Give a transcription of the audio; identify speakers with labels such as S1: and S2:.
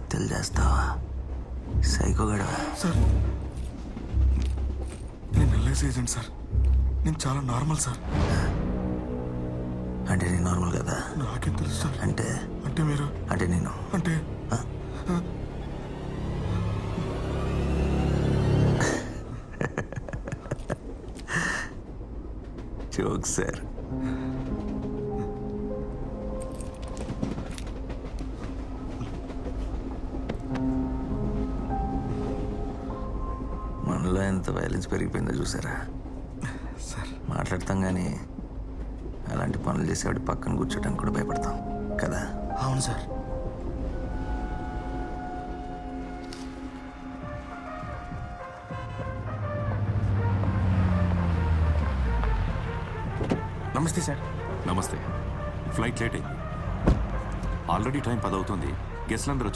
S1: హత్యలు చేస్తావా? సైకోగడవా?
S2: సార్ నేను ఎల్ఐసి ఏజెంట్ సార్. నేను చాలా నార్మల్ సార్.
S1: అంటే నేను నార్మల్ కదా?
S2: నాకేం తెలుసు సార్.
S1: అంటే
S2: అంటే మీరు
S1: అంటే నేను
S2: అంటే
S1: జోక్ సార్. మనలో ఎంత వైలెన్స్ పెరిగిపోయిందో చూసారా
S2: సార్.
S1: మాట్లాడతాం కానీ అలాంటి పనులు చేసేవాడి పక్కన కూర్చోడానికి కూడా భయపడతాం కదా?
S2: అవును సార్.
S3: నమస్తే సార్.
S4: నమస్తే. ఫ్లైట్ లేట్ అయింది. ఆల్రెడీ టైం 10 అవుతుంది. గెస్ట్లందరూ